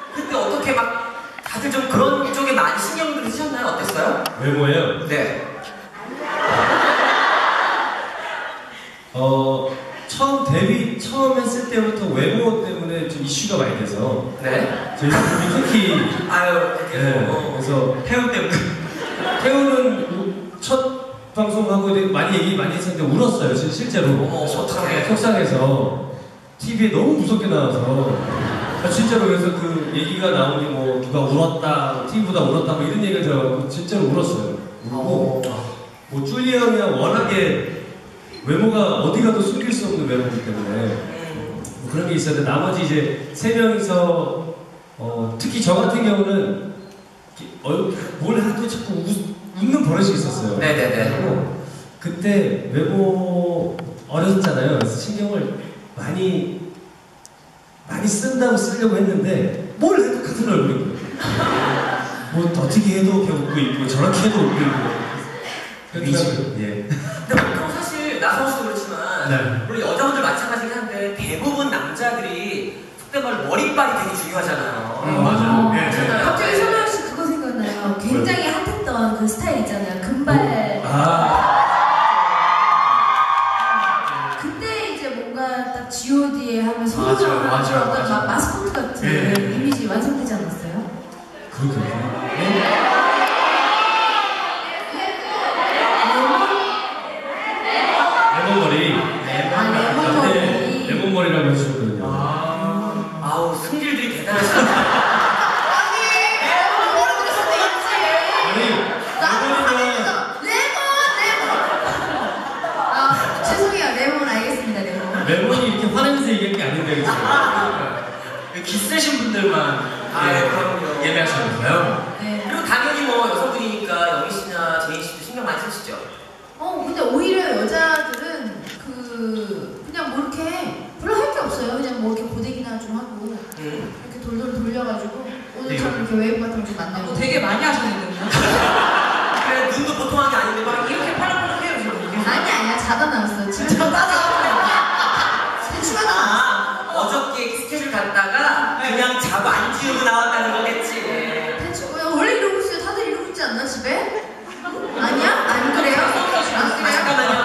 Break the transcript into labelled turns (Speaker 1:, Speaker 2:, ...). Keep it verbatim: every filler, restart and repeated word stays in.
Speaker 1: 그때 어떻게 막 다들 좀 그런 쪽에 많이 신경을 쓰셨나요? 어땠어요?
Speaker 2: 외모예요?
Speaker 1: 네.
Speaker 2: 어 처음 데뷔 처음 했을 때부터 외모 때문에 좀 이슈가 많이 돼서
Speaker 1: 네.
Speaker 2: 저희 작품이 특히
Speaker 1: 아유.
Speaker 2: 네,
Speaker 1: 어.
Speaker 2: 그래서
Speaker 1: 태우 때문에.
Speaker 2: 태우는 첫 방송하고 많이 얘기 많이 했었는데 울었어요 실, 실제로.
Speaker 1: 어머, 어떡해.
Speaker 2: 속상해서 티비에 너무 무섭게 나와서 아, 진짜로. 그래서 그 얘기가 나오니 뭐 누가 울었다, 티비보다 울었다 뭐 이런 얘기를 들어가고 진짜로 울었어요. 울고 뭐 쭈리 형이랑 워낙에 외모가 어디 가도 숨길 수 없는 외모이기 때문에 뭐 그런 게 있었는데 나머지 이제 세 명이서 어, 특히 저 같은 경우는 어, 뭘 해도 자꾸 웃, 웃는 버릇이 있었어요.
Speaker 1: 네네네.
Speaker 2: 그때 외모 어렸잖아요. 그래서 신경을 많이 많이 쓴다고 쓰려고 했는데 뭘 해도 같은 얼굴이고요. 뭐 어떻게 해도 이렇게 웃고 있고 저렇게 해도 웃고 있고.
Speaker 1: 이지.
Speaker 2: 예.
Speaker 1: 근데 보통 사실 나성 씨도 그렇지만
Speaker 2: 네.
Speaker 1: 물론 여자분들 마찬가지긴 한데 대부분 남자들이 속된 말로 머리빨이 되게 중요하잖아요.
Speaker 2: 음, 맞아요. 네,
Speaker 1: 그렇잖아요.
Speaker 3: 갑자기 손아영 씨 그거 생각나요. 굉장히 핫했던 그 스타일 있잖아요. 금발.
Speaker 2: 아.
Speaker 3: 그때 이제 뭔가 딱 지 오 디에 하면
Speaker 4: 맞아요,
Speaker 3: 소유자를
Speaker 4: 맞아요,
Speaker 3: 하는 어떤
Speaker 4: 맞아요.
Speaker 3: 마- 마스코트 같은
Speaker 4: 네.
Speaker 3: 이미지 완성되지 않았어요?
Speaker 2: 그렇군요. 레몬머리.
Speaker 3: 아, 레몬머리.
Speaker 2: 레몬머리라고 해주셨거든요.
Speaker 1: 아, 아우 승질들이 대단하시다.
Speaker 2: 아니, 레몬이면
Speaker 3: 레몬! 레몬! 아, 죄송해요. 레몬 알겠습니다. 레몬.
Speaker 2: 레몬이 이렇게 화내면서 얘기할 게 아닌데, 그죠?
Speaker 4: 기세신 분들만
Speaker 1: 아,
Speaker 4: 예,
Speaker 1: 그럼요.
Speaker 4: 예매하시는가요?
Speaker 3: 네.
Speaker 1: 그리고 당연히 뭐 여성분이니까 영희 씨나 제인 씨도 신경 많이 쓰시죠.
Speaker 3: 어, 근데 오히려 여자들은 그 그냥 뭐 이렇게 별로 할 게 없어요. 그냥 뭐 이렇게 고데기나 좀 하고
Speaker 1: 음.
Speaker 3: 이렇게 돌돌 돌려가지고 오늘
Speaker 4: 네.
Speaker 3: 참 이렇게 웨이브 같은 거좀 만나고.
Speaker 5: 되게 많이 하셨는데요?
Speaker 1: 그래 눈도 보통 한 게 아닌데 막 이렇게 팔랑팔랑해요 지금.
Speaker 3: 아니 아니야 자다 나왔어. 진짜 따라. 대추가 나왔어.
Speaker 1: 아, 어저께 스케줄 갔다가 그냥 자고 안 지우고 나왔다는 거겠지.
Speaker 3: 대추 야, 원래 이러고 있어요. 다들 이러고 있지 않나 집에? 아니야? 안 그래요? 안 그래요?
Speaker 1: 잠깐만요.